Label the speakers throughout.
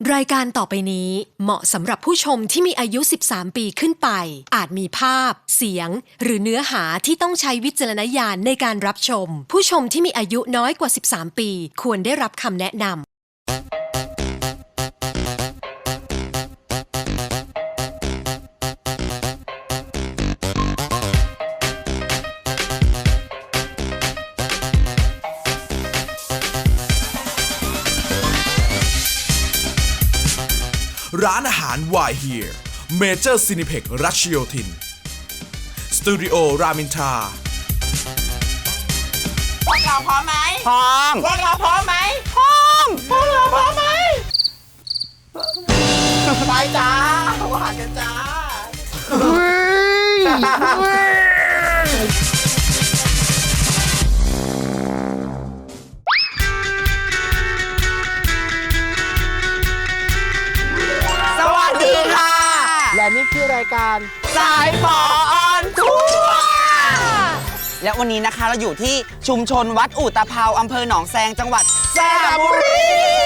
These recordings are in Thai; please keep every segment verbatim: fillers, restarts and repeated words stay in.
Speaker 1: รายการต่อไปนี้เหมาะสำหรับผู้ชมที่มีอายุ สิบสาม ปีขึ้นไปอาจมีภาพเสียงหรือเนื้อหาที่ต้องใช้วิจารณญาณในการรับชมผู้ชมที่มีอายุน้อยกว่า สิบสาม ปีควรได้รับคำแนะนำ
Speaker 2: ร้านอาหาร Why Here Major Cineplex รัชโยธินสตูดิโอรามินทรา
Speaker 3: พวกเราพร้อมไหม
Speaker 4: พร้อม
Speaker 3: พวกเราพร้อมไหมพร้อมพวกเราพร้อมไหมไปจ้าว่ากันจ้าสวัสดีค่ะและนี่คือรายการสายฝอออนทัวร์
Speaker 4: และวันนี้นะคะเราอยู่ที่ชุมชนวัดอู่ตะเภาอำเภอหนองแซงจังหวัดสระบุรี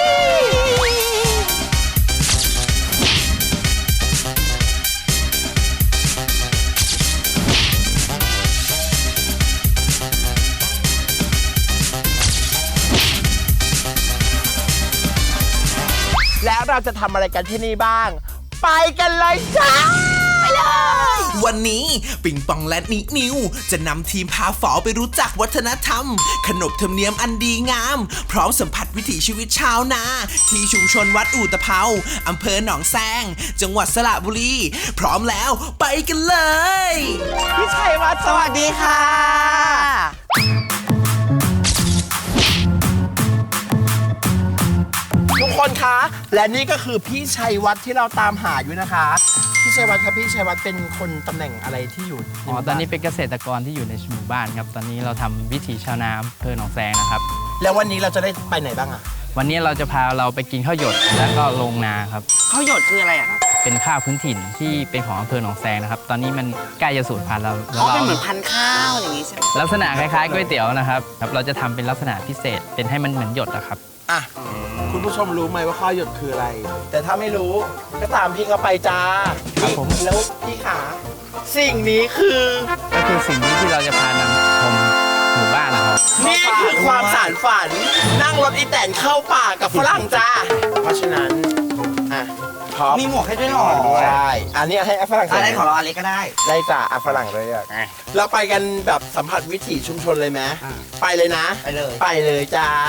Speaker 3: แล้วเราจะทำอะไรกันที่นี่บ้าง ไปกันเลยจ้าไปเลย
Speaker 2: วันนี้ปิงปองและนินิวจะนำทีมพาฝอไปรู้จักวัฒนธรรมขนบธรรมเนียมอันดีงามพร้อมสัมผัสวิถีชีวิตชาวนาที่ชุมชนวัดอู่ตะเภาอำเภอหนองแซงจังหวัดสระบุรีพร้อมแล้วไปกันเลย
Speaker 3: พี่ชัยวัฒน์สวัสดีค่ะทุกคนคะและนี่ก็คือพี่ชัยวัฒน์ที่เราตามหาอยู่นะคะพี่ชัยวัฒน์ครับพี่ชัยวัฒน์เป็นคนตำแหน่งอะไรที่อยู่
Speaker 5: อ๋อตอนนี้เป็นเกษตรกรที่อยู่ในหมู่บ้านครับตอนนี้เราทำวิถีชาวนาอำเภอหนองแซงนะครับ
Speaker 3: แล้ววันนี้เราจะได้ไปไหนบ้างอะ
Speaker 5: วันนี้เราจะพาเราไปกินข้าวหยดแล้วก็ลงนาครับ
Speaker 4: ข้าวหยดคืออะไรอะครับ
Speaker 5: เป็นข้าวพื้นถิ่นที่เป็นของอำเภอหนองแซงนะครับตอนนี้มันใกล้จะสูญพันธุ์แล้ว
Speaker 4: แล้วเราเป็นเหมือนพันธุ์ข้าวอย่างนี้ใช่ไหม
Speaker 5: ลักษณะคล้ายๆก๋วยเตี๋ยวนะครับครับเราจะทำเป็นลักษณะพิเศษเป็นให้มันเหมือนหยดนะครับ
Speaker 3: อ่ะคุณผู้ชมรู้ไหมว่าข้าวหยดคืออะไรแต่ถ้าไม่รู้ก็ตามพี่เขาไปจ้า
Speaker 5: ครับผม
Speaker 3: แล้วพี่ขาสิ่งนี้คือ
Speaker 5: ก็คือสิ่งนี้ที่เราจะพานำชมหมู่บ้านนะครับ
Speaker 3: นี่คือความสานฝันนั่งรถอีแตนเข้าป่ากับฝรั่งจ้าเพราะฉะนั้นอ่ะ
Speaker 4: มีหมวกให้ด้วยหรอ
Speaker 3: ใช่อันนี้ให้ฝรั่ง
Speaker 4: อะไรของเราอะไรก็ได้
Speaker 3: ได้จ้าอ่ะฝรั่งเลยอ่ะเราไปกันแบบสัมผัสวิถีชุมชนเลยไหมไปเลยนะ
Speaker 4: ไปเลย
Speaker 3: ไปเลยจ้า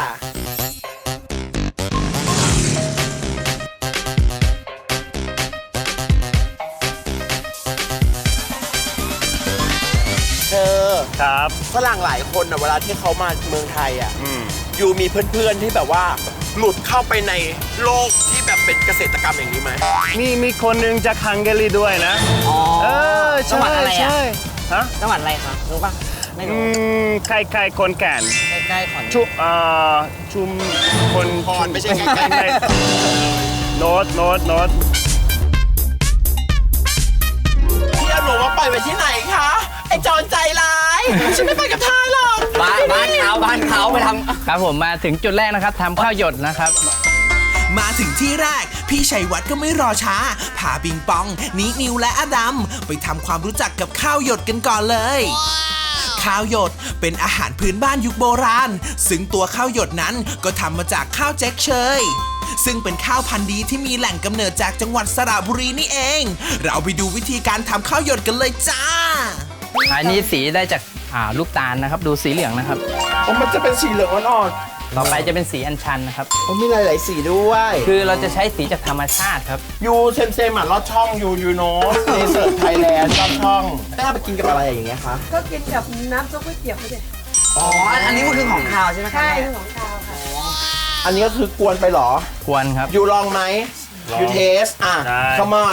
Speaker 3: เธอ
Speaker 6: ครับ
Speaker 3: ฝรั่งหลายคนนะเวลาที่เขามาเมืองไทยอ่ะอยู่มีเพื่อนๆที่แบบว่าหลุดเข้าไปในโลกที่แบบเป็นเกษตรกรรมอย่างนี้ไหม
Speaker 6: มีมีคนหนึ่งจากฮังการีด้วยนะ
Speaker 4: อ๋อ
Speaker 6: เออ
Speaker 4: จังหวัดอะไรอ่ะ
Speaker 6: ฮะ
Speaker 4: จังหวัดอะไรครับรู้ป่ะไม่รู้
Speaker 6: ใกล้ๆคนแก่น
Speaker 4: ใกล้ๆขอน
Speaker 6: ชุเอ่อชุมคน
Speaker 3: พรไม่ใช่ใกล้
Speaker 6: ๆโน้ตโน้ตโน้ต
Speaker 3: พี่เอาหนูมาปล่อยไปที่ไหนคะไอ้จอนใจร้ายฉันไม่ไปกับทายหรอก
Speaker 4: บ้านบ้านเขาบ้านเขาไปทำ
Speaker 5: ครับผมมาถึงจุดแรกนะครับทำข้าวหยดนะครับ
Speaker 2: มาถึงที่แรกพี่ชัยวัฒน์ก็ไม่รอช้าพาปิงปองนินิวและอดัมไปทำความรู้จักกับข้าวหยดกันก่อนเลยข้าวหยดเป็นอาหารพื้นบ้านยุคโบราณซึ่งตัวข้าวหยดนั้นก็ทำมาจากข้าวแจ็คเชยซึ่งเป็นข้าวพันธุ์ดีที่มีแหล่งกำเนิดจากจังหวัดสระบุรีนี่เองเราไปดูวิธีการทำข้าวหยดกันเลยจ้า
Speaker 5: อันนี้สีได้จากลูกตาลนะครับดูสีเหลืองนะครับ
Speaker 3: มันจะเป็นสีเหลืองอ่อน
Speaker 5: ต่อไปจะเป็นสีอัญชันนะครับ
Speaker 3: มีหลายๆสีด้วย
Speaker 5: คือเราจะใช้สีจากธรรมชาติครับ
Speaker 3: ยูเซมเซมอ่ะลอดช่องยูยูโน่ในเสิร์ฟไทยแลนด์ลอดช่องได้ไปกินกับอะไรอย่างเงี้ยคะ
Speaker 7: ก็กินกับน้ำซุปก๋วยเตี๋ยวเขาเด็ด
Speaker 4: อ๋ออันนี้มันคือของคาวใช่ไหมคะ
Speaker 7: ใช่คือของคาวค่ะ
Speaker 3: อันนี้ก็คือกวนไปหรอ
Speaker 5: กวนครับ
Speaker 3: ยูลองไหมยูเทสอ่ะ come on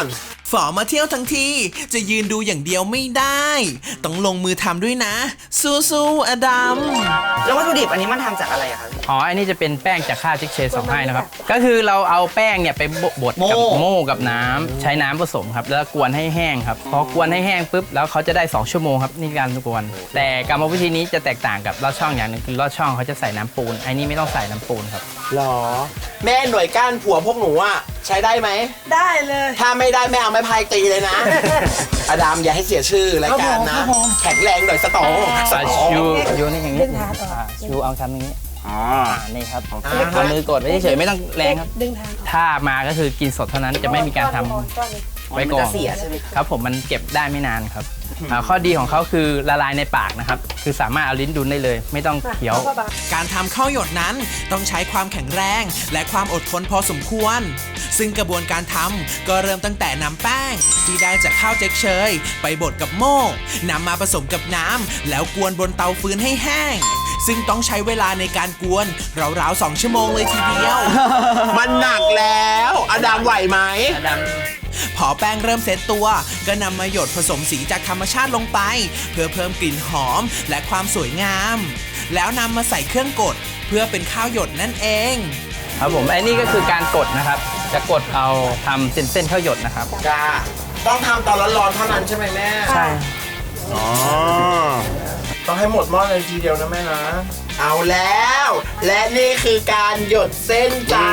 Speaker 2: ฝอมาเที่ยวทั้งทีจะยืนดูอย่างเดียวไม่ได้ ต้องลงมือทำด้วยนะ สู้ๆอดัม
Speaker 4: แล้ววัตถุดิบอันนี้มันทำจากอะไรอะคะ
Speaker 5: อ๋อ อันนี้จะเป็นแป้งจากข้าวจิ๊กเชสองให้นะครับ ก็คือเราเอาแป้งเนี่ยไปบดกับโม่กับน้ำใช้น้ำผสมครับ แล้วกวนให้แห้งครับ พอกวนให้แห้งปุ๊บ แล้วเขาจะได้สองชั่วโมงครับนี่การกวน แต่กรรมวิธีนี้จะแตกต่างกับลอดช่องอย่างหนึงคือลอดช่องเขาจะใส่น้ำปูน ไอ้นี่ไม่ต้องใส่น้ำปูนครับ
Speaker 3: หรอ แม่หน่วยก้านผัวพวกหนูอะใช้ได้ไหม
Speaker 7: ได้เลย
Speaker 3: ถ้าไม่ได้แม่เอาไม้พายตีเลยนะ อดัมอย่าให้เสียชื่อรายการนะ แข็งแรงหน่อยสตองสตอง
Speaker 5: ชูชูนี่อย่างนี้อ่าชูเอาทำอย่างนี้
Speaker 4: อ๋อ
Speaker 5: อ่านี่ครับเอามือกดไว้เฉยๆไม่ต้องแรงครับ
Speaker 7: ดึงทางออก
Speaker 5: ถ้ามาก็คือกินสดเท่านั้นจะไม่มีการทำ
Speaker 7: ก้อนนี้
Speaker 5: ไว้ก่อน
Speaker 4: มันจะเสียใช่ไหมครับ
Speaker 5: ครับผมมันเก็บได้ไม่นานครับอ่าข้อดีของเขาคือละลายในปากนะครับ คือสามารถเอาลิ้นดุลได้เลย ไม่ต้องเคี้ยว
Speaker 7: แล้วก็บาง
Speaker 2: การทำข้าวหยดนั้นต้องใช้ความแข็งแรงและความอดทนพอสมควร ซึ่งกระบวนการทำก็เริ่มตั้งแต่นำแป้งที่ได้จากข้าวเจ๊กเชยไปบดกับโม่นำมาผสมกับน้ำแล้วกวนบนเตาฟืนให้แห้ง ซึ่งต้องใช้เวลาในการกวนราวๆสองชั่วโมงเลยทีเดียว
Speaker 3: มันหนักแล้ว อดัมไหวไหม
Speaker 2: พอแป้งเริ่มเซตตัวก็นำมาหยดผสมสีจากธรรมชาติลงไป เพื่อเพิ่มกลิ่นหอมและความสวยงาม แล้วนำมาใส่เครื่องกดเพื่อเป็นข้าวหยดนั่นเอง
Speaker 5: ครับผมไอ้นี่ก็คือการกดนะครับ จะกดเอาทำเส้นเส้นๆข้าวหยดนะครับ
Speaker 3: จ้า ต้องทำตอนร้อนๆเท่านั้นใช่ไหมแม่
Speaker 5: ใช่
Speaker 6: อ๋อ
Speaker 3: ต้องให้หมดหม้อเลยทีเดียวนะแม่นะ เอาแล้ว และนี่คือการหยดเส้นจ้า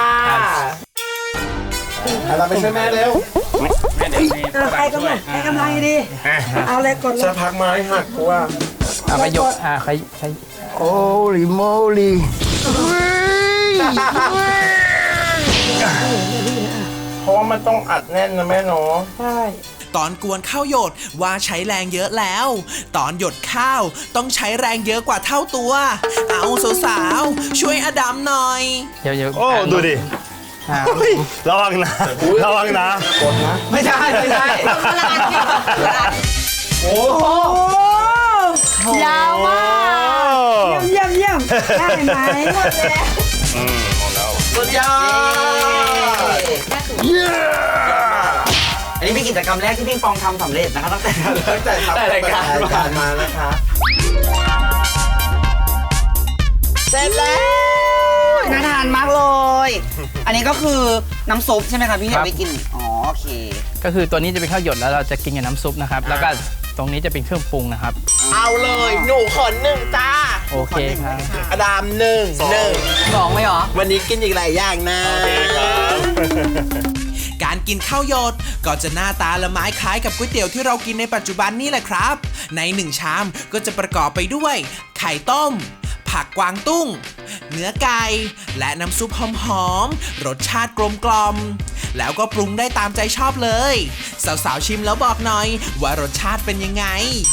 Speaker 3: เอาเราไปช่วยแม่เร็ว
Speaker 7: เอาใครกำลังใครกำลังดี เอาเลยกดเล
Speaker 3: จะ
Speaker 7: ย
Speaker 3: พักไม้หักกูว่า
Speaker 5: เอาไปยกอ่าใครใคร
Speaker 6: Holy moly
Speaker 3: เพราะว่ามันต้องอัดแน่นนะแม่เนาะ
Speaker 7: ใช่
Speaker 2: ตอนกวนข้าวหยดว่าใช้แรงเยอะแล้ว ตอนหยดข้าวต้องใช้แรงเยอะกว่าเท่าตัว เอาสาวๆช่วยอดัมหน่อย
Speaker 5: เดี๋ยวเดี๋ยว
Speaker 6: โอ้ ดูดิ
Speaker 5: อ่า
Speaker 6: ระวังนะ ระวังนะ
Speaker 4: ไม่ใช่ไม่ใช่
Speaker 3: โอ้โห
Speaker 7: ยาวมากเยี่ยมเยี่ยมเยี่ยมได้ไหมหมดแล้ว
Speaker 6: อืมหมดแล้ว
Speaker 3: สุดยอด
Speaker 4: อันนี้เป็นกิจกรรมแรกที่พิงปองทำสำเร็จนะคะตั้งแต่
Speaker 3: ตั้งแต่ทำ
Speaker 4: แต่รายการ
Speaker 3: รายการมานะคะ เสร็จแล้ว
Speaker 4: น่าทานมากเลย อันนี้ก็คือน้ำซุปใช่ไหมคะพี่
Speaker 5: ครั
Speaker 4: เดี๋ย
Speaker 5: บ
Speaker 4: วไปกิน อ๋อโอเค
Speaker 5: ก็คือตัวนี้จะเป็นข้าวหยดแล้วเราจะกินกับน้ำซุปนะครับ แล้วก็ตรงนี้จะเป็นเครื่องปรุงนะครับ
Speaker 3: เอาเลย หนูขนหนึ่งจ้า
Speaker 5: โอเคครับ
Speaker 3: อดามหนึ่งหนึ่ง
Speaker 4: สองไหมเหรอ
Speaker 3: วันนี้กินอีกหลายอย่างนะ
Speaker 2: การกินข้าวหยดก็จะหน้าตาละไม้คล้ายกับก๋วยเตี๋ยวที่เรากินในปัจจุบันนี่แหละครับ ในหนึ่งชามก็จะประกอบไปด้วย ไข่ต้ม ผักกวางตุ้ง เนื้อไก่ และน้ำซุปหอมๆ รสชาติกลมกล่อม แล้วก็ปรุงได้ตามใจชอบเลย สาวๆชิมแล้วบอกหน่อยว่ารสชาติเป็นยังไง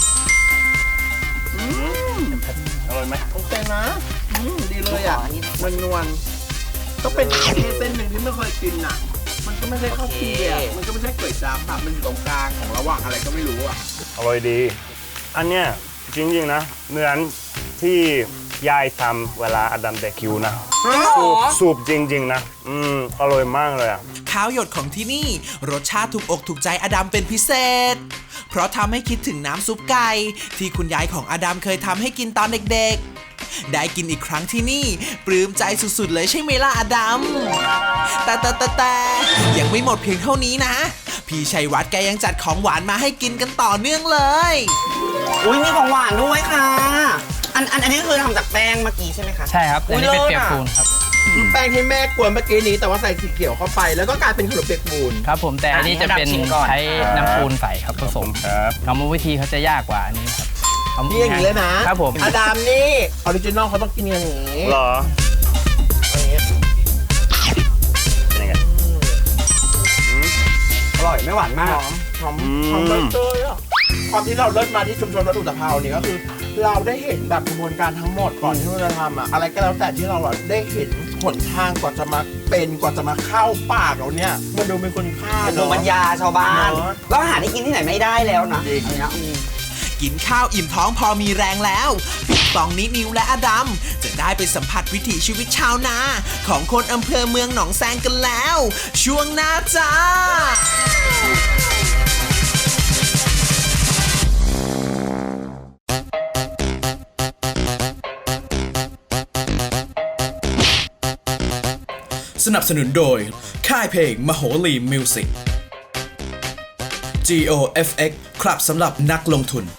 Speaker 6: อร่อยไหม
Speaker 3: โอเคนะอืมดีเลยอ่ะมันนวลๆก็เป็นที่เส้นหนึ่งที่ไม่เคยกินอ่ะ มันก็ไม่ใช่ข้าวเปียกมันก็ไม่ใช่ก๋วยจั๊บค่ะมันอยู่ตรงกลางของระหว่างอะไรก็ไม่รู้อ่ะ
Speaker 6: อร่อยดี อันเนี้ยจริงๆนะ เหมือนที่ยายทำเวลาอดัมเดคิวนะ สูบจริงๆนะ อืม อร่อยมากเลยอ่ะ
Speaker 2: ข้าวหยดของที่นี่รสชาติถูกอกถูกใจอดัมเป็นพิเศษ เพราะทำให้คิดถึงน้ำซุปไก่ที่คุณยายของอดัมเคยทำให้กินตอนเด็กๆ ได้กินอีกครั้งที่นี่ปลื้มใจสุดๆเลยใช่ไหมล่ะอดัม แต่แต่แต่แต่ยังไม่หมดเพียงเท่านี้นะ พี่ชัยวัฒน์แกยังจัดของหวานมาให้กินกันต่อเนื่องเลย
Speaker 4: อุ้ยมีของหวานด้วยค่ะ อันอันอันนี้คือทำจากแป้งเมื่อกี้ใช่ไหมคะ
Speaker 5: ใช่ครับ อันนี้เป็นเปียกปูนครับ
Speaker 3: แป้งที่แม่กวนเมื่อกี้นี้แต่ว่าใส่สีเขียวเข้าไป แล้วก็กลายเป็นขนมเปียกปูน
Speaker 5: ครับผมแต่อันนี้จะเป็นใช้น้ำปูนใส่ครับผสม
Speaker 6: ครับ
Speaker 5: กรรมวิธีเขาจะยากกว่าอันนี้ครับเ
Speaker 3: นี่อย่างนี้เลยนะครับ
Speaker 5: ผม
Speaker 3: อดามนี่ออริจินอลเขาต้องกินอย่างนี้
Speaker 6: เหรอ เป็นยังไง
Speaker 4: อร่อยไม่หวานมาก
Speaker 3: หอมหอม
Speaker 6: อืม
Speaker 3: หอมใบเตยอ่ะความที่เราเลิศมาที่ชุมชนวัดอุตภาวนี่ก็คือ เราได้เห็นแบบกระบวนการทั้งหมดก่อนที่เราจะทำอะอะไรก็แล้วแต่ที่เราอะได้เห็นหนทางกว่าจะมาเป็นกว่าจะมาเข้าปากเราเนี่ยมันดูเป็นคุณค่า
Speaker 4: เป็นภูมิปัญ
Speaker 3: เนาะ
Speaker 4: ญาชาวบ้าน
Speaker 3: เนอะ
Speaker 4: แล้วอาหารที่กินที่ไหนไม่ได้แล้วนะ
Speaker 3: จริง
Speaker 4: อันเนี้ยอืม
Speaker 2: กินข้าวอิ่มท้องพอมีแรงแล้วปิงปองนิดนิวและอดัมจะได้ไปสัมผัสวิถีชีวิตชาวนา ของคนอำเภอเมืองหนองแซงกันแล้ว ช่วงหน้าจ้า
Speaker 8: สนับสนุนโดยค่ายเพลงมโหรีมิวสิก จี โอ เอฟ เอ็กซ์ ครับสำหรับนักลงทุน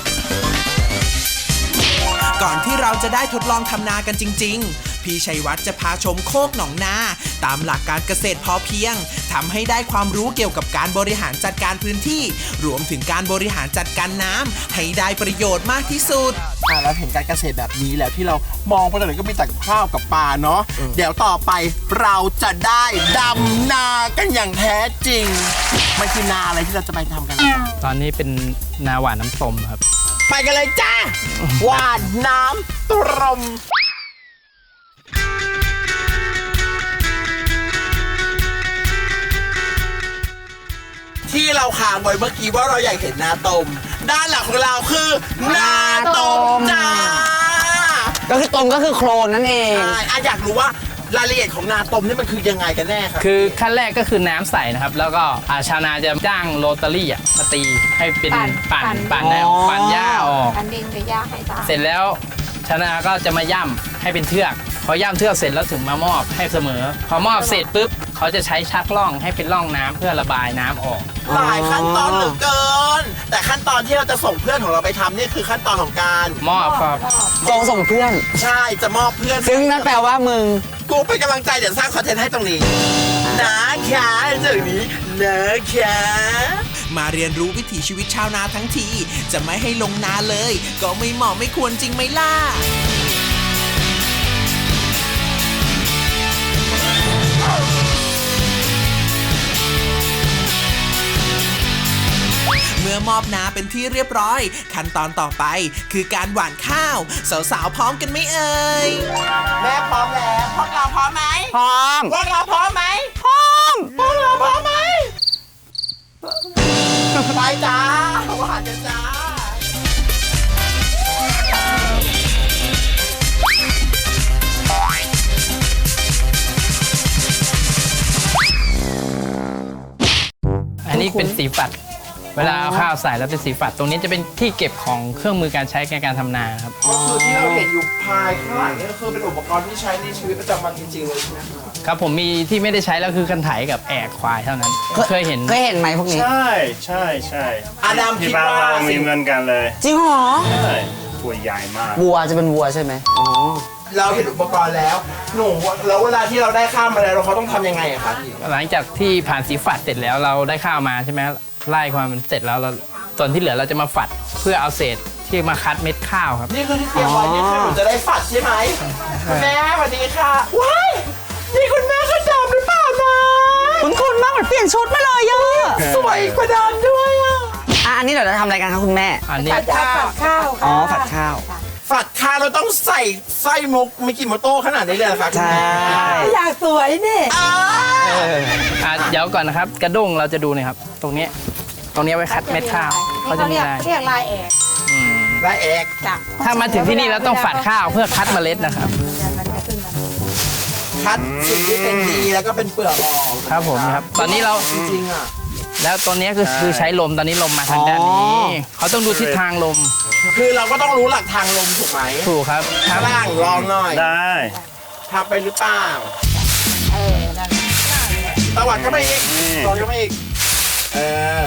Speaker 2: ก่อนที่เราจะได้ทดลองทำนากันจริงๆ พี่ชัยวัฒน์จะพาชมโคกหนองนาตามหลักการเกษตรพอเพียงทำให้ได้ความรู้เกี่ยวกับการบริหารจัดการพื้นที่ รวมถึงการบริหารจัดการน้ำให้ได้ประโยชน์มากที่สุด
Speaker 3: อ่าแล้วเห็นการเกษตรแบบนี้แล้วที่เรามองไปตรงไหนก็มีแต่ข้าวกับปลาเนาะเดี๋ยวต่อไปเราจะได้ดำนากันอย่างแท้จริงมันคือนาอะไรที่เราจะไปทำกันนะครับ
Speaker 5: ตอนนี้เป็นนาหวานน้ำต้มครับ
Speaker 3: ไปกันเลยจ้าหวานน้ำตรมที่เราค้างไว้เมื่อกี้ว่าเราอยากเห็นนาตมด้านหลังของเราคือนาตมจ้า
Speaker 4: ก็คือตมก็คือโคลนนั่นเอง
Speaker 3: ใช่อ่ะอยากรู้ว่ารายละเอียดของนาตมนี่มันคือยังไงกันแน่ครับ
Speaker 5: คือขั้นแรกก็คือน้ำใสนะครับ แล้วก็อ่าชาวนาจะจ้างโรตารี่อ่ะมาตีให้เป็น
Speaker 7: ปั่
Speaker 5: ปั่น
Speaker 7: น
Speaker 5: ปั่น
Speaker 7: ปั่น
Speaker 5: แนว
Speaker 4: อ๋อ
Speaker 5: ปั่นหญ้าออก
Speaker 7: อันดินไปย่างให้ตา
Speaker 5: เสร็จแล้วชาวนาก็จะมาย่ำให้เป็นเทือก พอย่ำเทือกเสร็จแล้วถึงมามอบให้เสมอ พอมอบเสร็จปุ๊บเขาจะใช้ชักล่องให้เป็นร่องน้ำเพื่อระบายน้ำออก
Speaker 3: หลายขั้นตอนเหลือเกิน แต่ขั้นตอนที่เราจะส่งเพื่อนของเราไปทำนี่คือขั้นตอนของการ
Speaker 5: มอบครับ
Speaker 4: ส่งส่งเพื่อน
Speaker 3: ใช่จะมอบเพื่อน
Speaker 4: ซึ่งนั่นแปลว่ามึง
Speaker 3: กูเป็นกำลังใจเดี๋ยวสร้างคอนเทนต์ให้ตรงนี้นะคะจากนี้นะคะ
Speaker 2: มาเรียนรู้วิถีชีวิตชาวนาทั้งที จะไม่ให้ลงนาเลย ก็ไม่เหมาะไม่ควรจริงไหมล่ะ เมื่อมอบนาเป็นที่เรียบร้อย ขั้นตอนต่อไปคือการหว่านข้าว สาวๆพร้อมกันไหมเอ่ย
Speaker 3: แม่พร้อมแล้วพวกเราพร้อมไหม
Speaker 4: พร้อม
Speaker 3: พวกเราพร้อมไหม
Speaker 4: พร้อม
Speaker 3: พวกเราพร้อมไหมไปจ้าหวานกันจ้า
Speaker 5: อันนี้เป็นสีฝัด เวลาเอาข้าวใส่แล้วเป็นสีฝัด ตรงนี้จะเป็นที่เก็บของเครื่องมือการใช้ในการทำนาครับ
Speaker 3: ก็คือที่เราเห็นอยู่ภายข้างหลังนี่ก็คือเป็นอุปกรณ์ที่ใช้ในชีวิตประจำวันจริงๆเลยใช่ไหมครับ
Speaker 5: ครับผมมีที่ไม่ได้ใช้แล้วคือคันไถกับแอกควายเท่านั้น เคยเห็น
Speaker 4: เคยเห็นไหมพวกนี้
Speaker 6: ใช่ใช่ใช่
Speaker 3: อาดัม
Speaker 6: ที่
Speaker 3: คิด
Speaker 6: บ้าน
Speaker 3: ว่า
Speaker 6: เรามีเหมือนกันเลย
Speaker 4: จริงเหรอ
Speaker 6: ใช่ตัวใหญ่มาก
Speaker 4: วัวจะเป็นวัวใช่ไหมอ๋อ
Speaker 3: เราเห็นอุปกรณ์แล้วหนูแล้วเวลาที่เราได้ข้ามมาแล้วเราเขาต้องทำยังไงอะคะพี่
Speaker 5: หลังจากที่ผ่านสีฝัดเสร็จแล้วเราได้ข้าวมาใช่ไหมไล่ความมันเสร็จแล้วเราส่วนที่เหลือเราจะมาฝัดเพื่อเอาเศษที่มาคัดเม็ดข้าวครับ
Speaker 3: นี่คือที่เตรียมไว้นี่คือหนูจะได้ฝัดใช่ไหมคุณแม่สวัสดีค่ะว้ายนี่คุณแม่ก็ดำหรือเปล่านะ
Speaker 4: คุณคุณมากเหมือนเปลี่ยนชุดมาเลยอะ
Speaker 3: สวยกว่าดำด้วยอะ
Speaker 4: อ่ะอันนี้เดี๋ยวเราทำอะไรกันคะคุณแม่
Speaker 5: อันนี้
Speaker 7: ผัดข้าวผัดข้าว
Speaker 4: อ๋อ
Speaker 7: ค่ะ
Speaker 4: ผัดข้าว
Speaker 3: ฝัดข้าวเราต้องใส่ไส้มุกมิกิโมโต้ขนาดนี้เลยเหรอคะคุณ
Speaker 4: ใช่
Speaker 3: แม่
Speaker 7: อยากสวยนี่
Speaker 3: อ้า
Speaker 5: อ่ะเดี๋ยวก่อนนะครับ กระด้งเราจะดูหน่อยครับ ตรงนี้ตรงนี้ไว้คัดเม็ดข้าวเขาจะมี
Speaker 7: เรียก
Speaker 5: ลาย
Speaker 7: เรียกลายแอก
Speaker 5: อืม
Speaker 3: และเอก
Speaker 7: จ้ะ
Speaker 5: ถ้ามาถึงที่นี่เราต้องฝัดข้าวเพื่อคัดเมล็ดนะครับ
Speaker 7: มันจะขึ้นมา
Speaker 3: คัดสิ่งที่เป็นดีแล้วก็เป็นเปลือกออก
Speaker 5: ครับผมครับ ตอนนี้เรา
Speaker 3: จริงๆอ่ะ
Speaker 5: แล้วตัวนี้คือคือใช้ลมตอนนี้ลมมาทางด้านนี้เขาต้องดูทิศทางลม
Speaker 3: คือเราก็ต้องรู้หลักทางลมถูกไหม
Speaker 5: ถูกครับครับ
Speaker 3: ล่างลองหน่อย
Speaker 6: ได้
Speaker 3: ทำไปหรือเปล่า
Speaker 7: เออนั่น
Speaker 3: ตวัดเข้าไปอีก
Speaker 6: นี่
Speaker 3: ตอนเข้าไปอีกเออ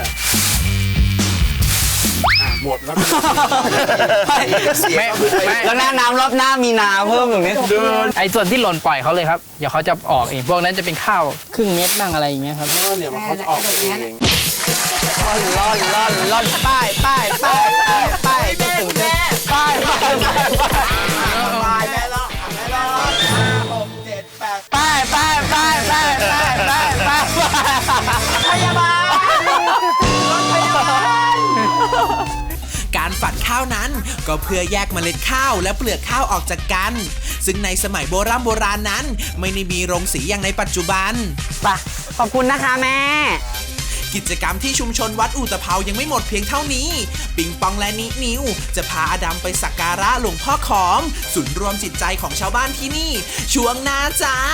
Speaker 3: อ่ะหมดแล้วเสีย
Speaker 5: ไม่
Speaker 3: ก็คือไป
Speaker 5: ไม่
Speaker 4: แล้วหน้าน้ำรอบหน้ามีนาเพิ่มตรงนี้
Speaker 5: ไอ้ส่วนที่หล่นปล่อยเขาเลยครับ เดี๋ยวเขาจะออกเอง พวกนั้นจะเป็นข้าวครึ่งเม็ดบ้างอะไรอย่างเงี้ยครับ
Speaker 3: เดี๋ยวมันเขาจะออกเอง
Speaker 4: ล่อนล่อนล่อนล่อนป้ายป้ายป้ายป้ายป้ายจะถึงจะป้ายป้ายป้าย
Speaker 3: ตายแม่แล้วอ่ะแม่แล้วห้าหกเจ็ดแปด
Speaker 4: ป้ายป้ายป้ายป้ายป้ายป้ายป้าย
Speaker 3: พยาบาลรถพยาบาล
Speaker 2: การฝัดข้าวนั้นก็เพื่อแยกเมล็ดข้าวและเปลือกข้าวออกจากกัน ซึ่งในสมัยโบราณโบราณนั้น ไม่ได้มีโรงสีอย่างในปัจจุบัน
Speaker 4: ป่ะขอบคุณนะคะแม่
Speaker 2: กิจกรรมที่ชุมชนวัดอุตภเปายังไม่หมดเพียงเท่านี้ ปิงปองและนินิว จะพาอดัมไปสักการะหลวงพ่อขอมศูนย์รวมจิตใจของชาวบ้านที่นี่ ช่วงหน้าจ้า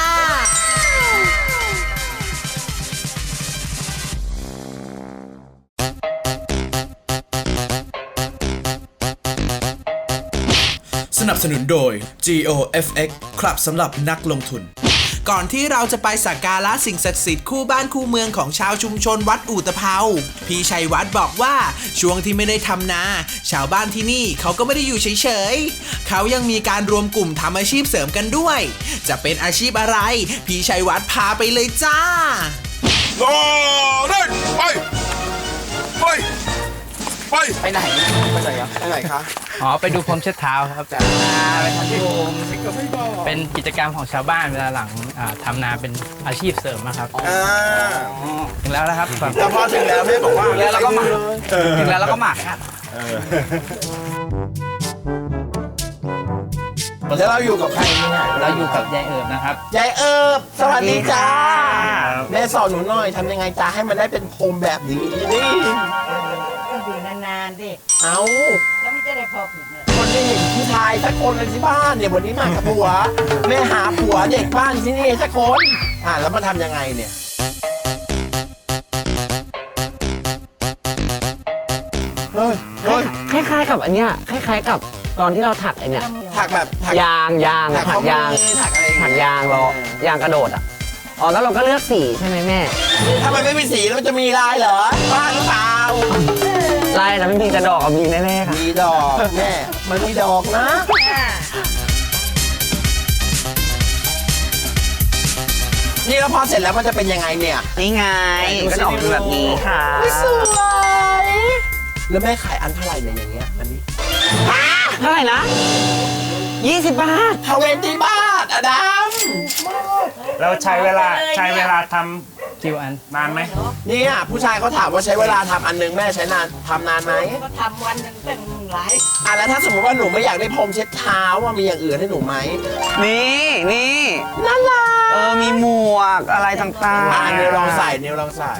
Speaker 8: สนับสนุนโดย จี โอ เอฟ เอ็กซ์ ครับสำหรับนักลงทุน
Speaker 2: ก่อนที่เราจะไปสักการะสิ่งศักดิ์สิทธิ์คู่บ้านคู่เมืองของชาวชุมชนวัดอู่ตะเภาพี่ชัยวัฒน์บอกว่าช่วงที่ไม่ได้ทำนาชาวบ้านที่นี่เขาก็ไม่ได้อยู่เฉยๆเขายังมีการรวมกลุ่มทำอาชีพเสริมกันด้วยจะเป็นอาชีพอะไรพี่ชัยวัฒน์พาไปเลยจ้า
Speaker 9: โอ้ได้ไปไปไป
Speaker 4: ไปไหนไปไหนครับ
Speaker 3: ไปไหนคะ
Speaker 5: อ๋อไปดูพรมเช็ดเท้าครับไปทำที่เป็นกิจกรรมของชาวบ้านเวลาหลังอ่าทำนาเป็นอาชีพเสริมนะครับ
Speaker 3: อ่า
Speaker 5: ถึงแล้วนะครับ
Speaker 3: แต่พอถึงแล้วแม่บอกว่า
Speaker 4: แล้วเราก็หมักถึงแล้วเราก็หมักครับ
Speaker 3: แล้วเราอยู่กับใครเนี่ย
Speaker 5: เราอยู่กับยายเอิบนะครับ
Speaker 3: ยายเอิบสวัสดีจ้าแม่สอนหนูหน่อยทำยังไงจ้าให้มันได้เป็นพรมแบบนี้นี่
Speaker 7: อยู่นานๆดิ
Speaker 3: เอา
Speaker 7: แล้วมันจะได้พอผูกเลย
Speaker 3: คนได้เห็นผู้ชายสักคนเลยที่บ้านเนี่ยวันนี้มากับผัวแม่หาผัวเด็กบ้านที่นี่สักคนอ่าแล้วมาทำยังไงเนี่ยเฮ้ยเฮ้ย
Speaker 10: คล้ายๆกับอันเนี้ยคล้ายๆกับตอนที่เราถักไอเนี้ย
Speaker 3: ถักแบบถัก
Speaker 10: ยางยาง
Speaker 3: ถัก
Speaker 10: ถักยาง
Speaker 3: ข้อมือถักอะไรอย่าง
Speaker 10: ถัก
Speaker 3: เงี้ย
Speaker 10: ยางเรายางกระโดดอ่ะอ๋อแล้วเราก็เลือกสีใช่ไหมแม่
Speaker 3: ถ้ามันไม่มีสีแล้วมันจะมีลายเหรอบ้าหรือเปล่า
Speaker 10: ลายแต่ไม่มีกระดอกกับมีแน่ๆค่ะ
Speaker 3: มีดอกแม่มันมีดอกนะ นี่แล้วพอเสร็จแล้วมันจะเป็นยังไงเนี่ย
Speaker 4: นี่ไงก็จะออกมาแบบนี้ค่ะ
Speaker 3: สวยแล้วแม่ขายอันเท่าไหร่เนี่ยอย่างเงี้ยอันนี้
Speaker 10: เท่าไหร่นะยี่สิบบาท
Speaker 3: ทเวนตี้บาทอะดัม
Speaker 6: เราใช้เวลาใช้เวลาท
Speaker 5: คิวอัน
Speaker 6: ำนานไหม
Speaker 3: เนี่ยผู้ชายเขาถามว่าใช้เวลาทำอันนึงแม่ใช้นานทำนานไหม
Speaker 7: ก็ทำวันหนึ่งตั้งหลาย
Speaker 3: อ่ะแล้วถ้าสมมติว่าหนูไม่อยากได้พรมเช็ดเท้าว่ามีอย่างอื่นให้หนูไหม
Speaker 4: นี่นี่
Speaker 3: น่ารัก
Speaker 4: เออมีหมวกอะไรต่าง
Speaker 3: อ่ะเนวลองใส่เนวลองใส่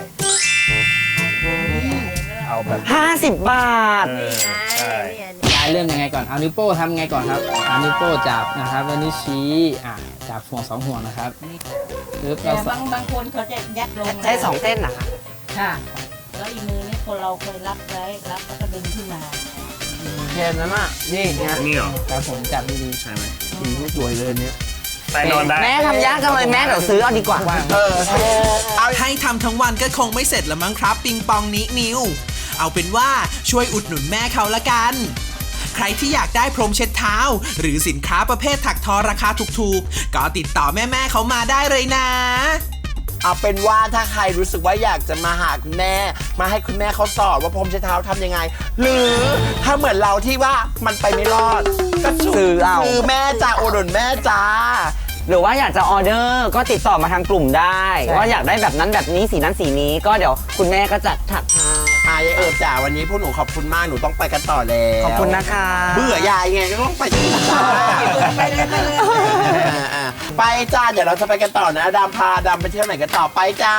Speaker 6: เอาแบบ
Speaker 10: ห้าสิบบาท
Speaker 6: เออใช่
Speaker 5: ยายเริ่มยังไงก่อนเอานิ้วโป้งทำไงก่อนครับเอานิ้วโป้งจับนะครับแล้วนิ้วชี้อ่ะจับห่วงสองห่วงนะครับปึ๊บ
Speaker 7: แต่
Speaker 5: เรา
Speaker 7: บางบางคนเขาจะยัดลง
Speaker 10: ใช้สองเส้นนะคะ
Speaker 7: ค่ะ แล้วอีกมือนี่คนเราเคยรับไว้รับแล้วก็ดึงขึ้นมา
Speaker 3: แค่นั้นอ่ะนี่เนี่ย
Speaker 6: นี่เหรอ
Speaker 5: ครับผมจับดีๆ
Speaker 6: ใช่ไหม
Speaker 3: สีไม่สวยเลยเนี่ย
Speaker 6: ไปนอนได้
Speaker 10: แม่ทำยากจังเลยแม่เดี๋ยวซื้อเอาดีกว่า
Speaker 3: เออใช่เอา
Speaker 2: ให้ทำทั้งวันก็คงไม่เสร็จละมั้งครับปิงปองนี้นิว เอาเป็นว่าช่วยอุดหนุนแม่เขาละกัน ใครที่อยากได้พรมเช็ดเท้า หรือสินค้าประเภทถักทอราคาถูกๆ ก็ติดต่อแม่ๆเขามาได้เลยนะ
Speaker 3: เอาเป็นว่าถ้าใครรู้สึกว่าอยากจะมาหาคุณแม่ มาให้คุณแม่เขาสอนว่าพรมเช็ดเท้าทำยังไง หรือถ้าเหมือนเราที่ว่ามันไปไม่รอด ก็
Speaker 10: ซื้อเอา
Speaker 3: คือแม่จ้าอุดหนุนแม่จ้า
Speaker 10: หรือว่าอยากจะออเดอร์ก็ติดต่อมาทางกลุ่มได้ ว่าอยากได้แบบนั้นแบบนี้สีนั้นสีนี้ก็เดี๋ยวคุณแม่ก็จัดถักให้
Speaker 3: อายายเอิบจ๋าวันนี้พวกหนูขอบคุณมากหนูต้องไปกันต่อแล้ว
Speaker 10: ขอบคุณนะคะ
Speaker 3: เบื่อยายไงก็ต้องไปจ้า
Speaker 7: ไปเลยไปเลย
Speaker 3: อ่าๆไปจ้าเดี๋ยวเราจะไปกันต่อนะดามพาดามไปเที่ยวไหนกันต่อไปจ้า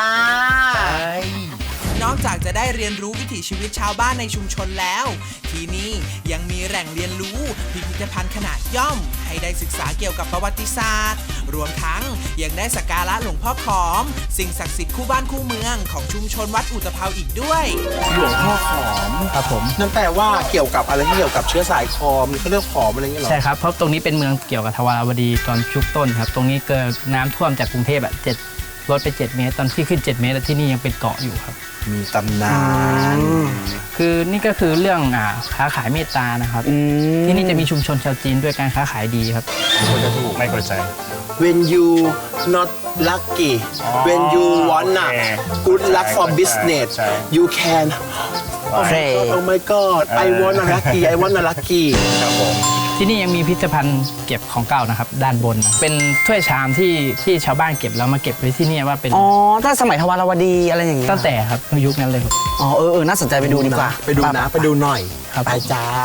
Speaker 2: นอกจากจะได้เรียนรู้วิถีชีวิตชาวบ้านในชุมชนแล้ว ที่นี่ยังมีแหล่งเรียนรู้พิพิธภัณฑ์ขนาดย่อม ให้ได้ศึกษาเกี่ยวกับประวัติศาสตร์ รวมทั้งยังได้สักการะหลวงพ่อขอม สิ่งศักดิ์สิทธิ์คู่บ้านคู่เมืองของชุมชนวัดอุตภาวอีกด้วย
Speaker 3: หลวงพ่อขอม
Speaker 5: ครับผม
Speaker 3: นั่นแปลว่าเกี่ยวกับอะไรที่เกี่ยวกับเชื้อสายคอมเขาเรียกขอมอะไรอย่างเงี้ยเหรอ
Speaker 5: ใช่ครับเพราะตรงนี้เป็นเมืองเกี่ยวกับทวารวดีตอนชุกต้นครับตรงนี้เกิดน้ำท่วมจากกรุงเทพอ่ะเจ็ดลดไปเจ็ดเมตรตอนที่ขึ้นเจ็ดเมตรที่นี่ยังเป็นเกาะอยู่ครับ
Speaker 3: มีตำนาน
Speaker 5: คือนี่ก็คือเรื่องอ่าค้าขายเมตตานะครับที่นี่จะมีชุมชนชาวจีนด้วยการค้าขายดีครับ
Speaker 6: ไม่เข้าใจ
Speaker 3: when you not lucky when you wanna
Speaker 6: โอเค
Speaker 3: good luck for
Speaker 6: ใช่
Speaker 3: business
Speaker 6: ใช่
Speaker 3: you can
Speaker 10: โอเค
Speaker 3: oh my god I wanna lucky I wanna lucky
Speaker 6: ครับผม
Speaker 5: ที่นี่ยังมีพิพิธภัณฑ์เก็บของเก่านะครับด้านบนนะเป็นถ้วยชามที่ที่ชาวบ้านเก็บแล้วมาเก็บไว้ที่นี่ว่าเป็น
Speaker 10: อ๋อถ้าสมัยทวารวดีอะไรอย่างเงี้ย
Speaker 5: ตั้งแต่ครับยุคนั้นเลยครับ
Speaker 10: อ๋อเออเออน่าสนใจไปดูดีกว่า
Speaker 3: ไปดูนะไปดูหน่อย
Speaker 5: ครับ
Speaker 3: ไปจ้า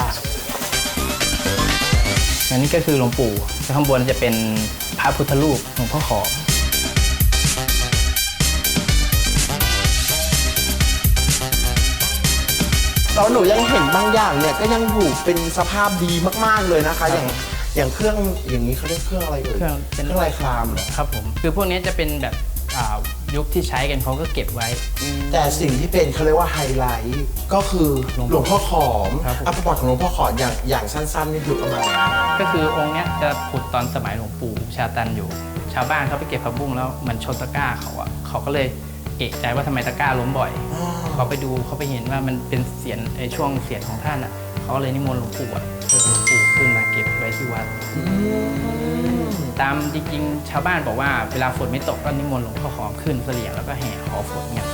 Speaker 5: อันนี้ก็คือหลวงปู่ข้างบนจะเป็นพระพุทธรูปหลวงพ่อขอม
Speaker 3: แล้วหนูยังเห็นบางอย่างเนี่ยก็ยังอยู่เป็นสภาพดีมากๆเลยนะคะ อย่างอย่างเครื่องอย่างนี้เขาเรียกเครื่องอะไรเอ่ย
Speaker 5: เครื่องเป็น
Speaker 3: เครื่องลายครามเหรอ
Speaker 5: ครับผมคือพวกนี้จะเป็นแบบอ่ายุคที่ใช้กันเขาก็เก็บไว้
Speaker 3: แต่สิ่งที่เป็นเขาเรียกว่าไฮไลท์ก็คือหลวงพ่อขอม
Speaker 5: ครับผม
Speaker 3: อ่ะประวัติของหลวงพ่อขอมอย่างอย่างสั้นๆนี่คือประมาณไหน
Speaker 5: ก็คือองค์เนี้ยจะผุดตอนสมัยหลวงปู่ชาตันอยู่ชาวบ้านเขาไปเก็บผักบุ้งแล้วเหมือนชนตะกร้าเขาอะเขาก็เลยเอะใจว่าทำไมตะกร้าล้มบ่อยเขาไปดูเขาไปเห็นว่ามันเป็นเสียนไอช่วงเสียนของท่านอะเขาก็เลยนิมนต์หลวงปู่อะเชิญหลวงปู่ขึ้นมาเก็บไว้ที่วัดตามจริงๆชาวบ้านบอกว่าเวลาฝนไม่ตกก็นิมนต์หลวงพ่อขอมขึ้นเสลี่ยงแล้วก็แห่ขอฝนเนี่ย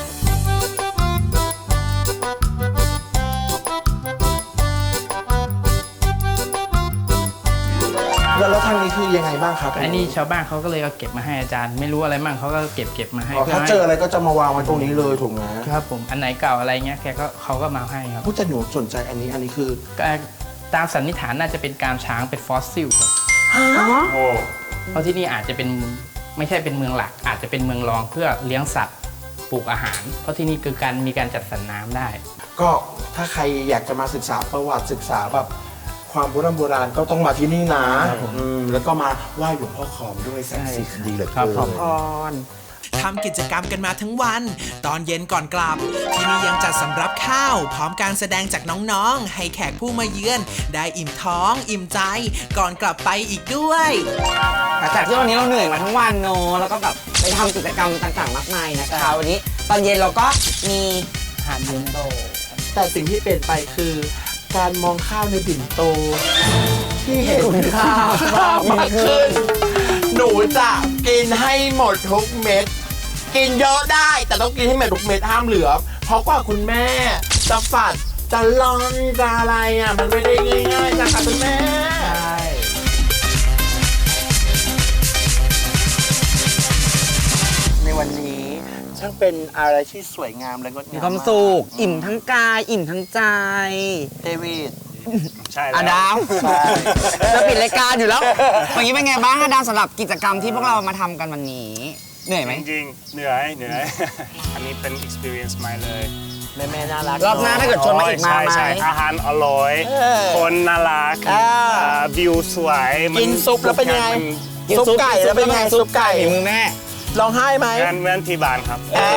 Speaker 3: แล้วแล้วทางนี้คือยังไงบ้างครับ
Speaker 5: อันนี้ชาวบ้านเขาก็เลยเอาเก็บมาให้อาจารย์ ไม่รู้อะไรมั่งเขาก็เก็บเก็บมาให้
Speaker 3: อ๋อถ้าเจออะไรก็จะมาวางไว้ตรงนี้เลยถูกไหม
Speaker 5: ครับผมอันไหนเก่าอะไรเงี้ยแกก็เขาก็มาให้ครับ
Speaker 3: ผู้จะหนูสนใจอันนี้อันนี้คือ
Speaker 5: ตามสันนิษฐานน่าจะเป็นกรามช้างเป็นฟอสซิลครับ
Speaker 6: โอ้
Speaker 5: เพราะที่นี่อาจจะเป็นไม่ใช่เป็นเมืองหลัก อาจจะเป็นเมืองรองเพื่อเลี้ยงสัตว์ปลูกอาหาร เพราะที่นี่คือการมีการจัดสรรน้ำได้
Speaker 3: ก็ถ้าใครอยากจะมาศึกษาประวัติศึกษาแบบความโบราณโบราณก็ต้องมาที่นี่นะอืมแล้วก็มาไหว้หลวงพ่อขอมด้วยศักดิ์สิทธิ์ดีเหลือ
Speaker 5: ครับ
Speaker 3: เกิ
Speaker 5: ผม
Speaker 3: น
Speaker 2: ทำกิจกรรมกันมาทั้งวัน ตอนเย็นก่อนกลับ ที่นี่ยังจัดสำรับข้าว พร้อมการแสดงจากน้องๆ ให้แขกผู้มาเยือน ได้อิ่มท้อง อิ่มใจ ก่อนกลับไปอีกด้วย
Speaker 10: หลังจากที่วันนี้เราเหนื่อยมาทั้งวันเนอะแล้วก็แบบไปทำกิจกรรมต่างๆมากมายนะคะวันนี้ตอนเย็นเราก็มี
Speaker 5: อาหารเย็นโต
Speaker 3: แต่สิ่งที่เปลี่ยนไปคือ การมองข้าวในบิ่นโต ที่เห็นข้าวมากขึ้น หนูจะกินให้หมดทุกเม็ด กินเยอะได้แต่ต้องกินให้หมดทุกเม็ดห้ามเหลือ เพราะกว่าคุณแม่จะฝัดจะลอนจะอะไรอ่ะมันไม่ได้ง่ายๆนะคะคุณแม่ในวันนี้ช่างเป็นอะไรที่สวยงามและงดงาม
Speaker 10: มีความสุขอิ่มทั้งกายอิ่มทั้งใจ
Speaker 3: เดวิด
Speaker 6: ใช่
Speaker 10: อา
Speaker 6: แล้ว
Speaker 10: ดามจะปิดรายการอยู่แล้ววันนี้เป็นไงบ้างอาดามสำหรับกิจกรรมที่พวกเรามาทำกันวันนี้เหนื่อยไหม
Speaker 6: จริงๆเหนื่อยเหนื่อย อันนี้เป็น experience ใหม่เลย
Speaker 3: แม่แม่น่ารัก
Speaker 10: รอบหน้าถ้าเกิดชวนมาอีกมา
Speaker 6: ใช่
Speaker 10: ไหม
Speaker 6: ใช่อาหารอร่อย
Speaker 3: เออ
Speaker 6: คนน่ารัก
Speaker 3: อ่า
Speaker 6: อ่าวิวสวยมั
Speaker 3: กินซุปแล้วเป็นยังไง
Speaker 6: ทุกอ
Speaker 3: ซุปไก่แล้วเป็นไงซุปไก่
Speaker 10: ฝีมือแม่
Speaker 3: ร้องไห้ไหม
Speaker 6: มันเหมือนเหมือนที่บ้านครับ
Speaker 3: อ่า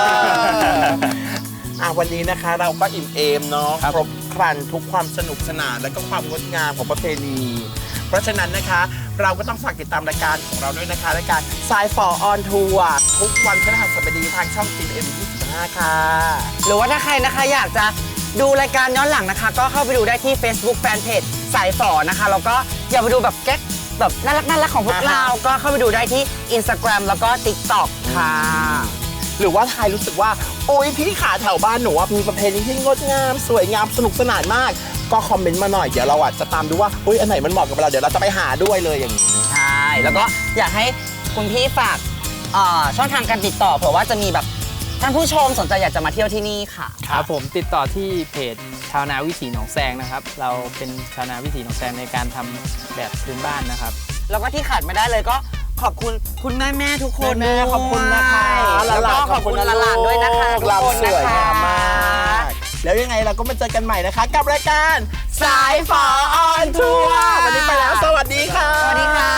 Speaker 3: อ่ะวันนี้นะคะเราก็อิ่มเอมเนาะครบครันทุกความสนุกสนานและก็ความงดงามของประเพณี เพราะฉะนั้นนะคะเราก็ต้องฝากติดตามรายการของเราด้วยนะคะรายการสายฝอออนทัวร์ทุกวันพฤหัสบดีทางช่อง จี เอ็ม ยี่สิบห้า ค่ะ
Speaker 10: หรือว่าถ้าใครนะคะอยากจะดูรายการย้อนหลังนะคะ ก็เข้าไปดูได้ที่ Facebook Fanpage สายฝอนะคะแล้วก็อยากไปดูแบบแก๊กแบบน่ารักน่ารักของพวกเราก็เข้าไปดูได้ที่ Instagram แล้วก็ TikTok ค่ะ
Speaker 3: หรือว่าใครรู้สึกว่าโอ๊ยพี่ขาแถวบ้านหนูว่ามีประเพณีที่งดงามสวยงามสนุกสนานมาก ก็คอมเมนต์มาหน่อยเดี๋ยวเราอ่ะจะตามดูว่าอุ๊ยอันไหนมันเหมาะกับเราเดี๋ยวเราจะไปหาด้วยเลยอย่างนี้
Speaker 10: ใช่ แล้วก็อยากให้คุณพี่ฝากเอ่อช่องทางการติดต่อเผื่อว่าจะมีแบบท่านผู้ชมสนใจอยากจะมาเที่ยวที่นี่ค่ะ
Speaker 5: ครับผมติดต่อที่เพจชาวนาวิถีหนองแซงนะครับ เราเป็นชาวนาวิถีหนองแซงในการทำแบบพื้นบ้านนะครับ
Speaker 10: แล้วก็ที่ขาดไม่ได้เลยก็ขอบคุณคุณแม่แม่ๆทุกคน
Speaker 3: แม่ๆขอบคุณนะคะ
Speaker 10: แล้วก็ขอบคุณหลานๆด้วยนะคะทุก
Speaker 3: เรา
Speaker 10: คน
Speaker 3: ส
Speaker 10: นะ
Speaker 3: วย
Speaker 10: คะ
Speaker 3: งามมากแล้วยังไงเราก็มาเจอกันใหม่นะคะ กับรายการสายฝอออนทัวร์วันนี้ไปแล้วสวัสดีค่ะ
Speaker 10: สวัสดีค่ะ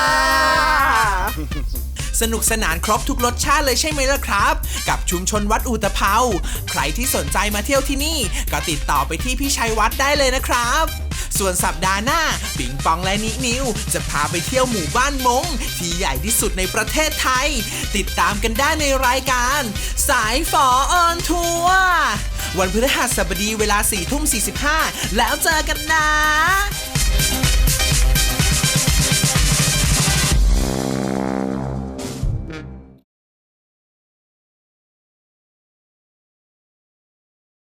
Speaker 2: สนุกสนานครบทุกรสชาติเลยใช่ไหมล่ะครับ กับชุมชนวัดอุตภเปาใครที่สนใจมาเที่ยวที่นี่ ก็ติดต่อไปที่พี่ชัยวัฒน์ได้เลยนะครับ ส่วนสัปดาห์หน้าปิงปองและนินิว จะพาไปเที่ยวหมู่บ้านมงที่ใหญ่ที่สุดในประเทศไทย ติดตามกันได้ในรายการสายฝอออนทัวร์วันพฤหัสบดีเวลาสี่ทุ่มสี่สิบห้าแล้วเจอกันนะ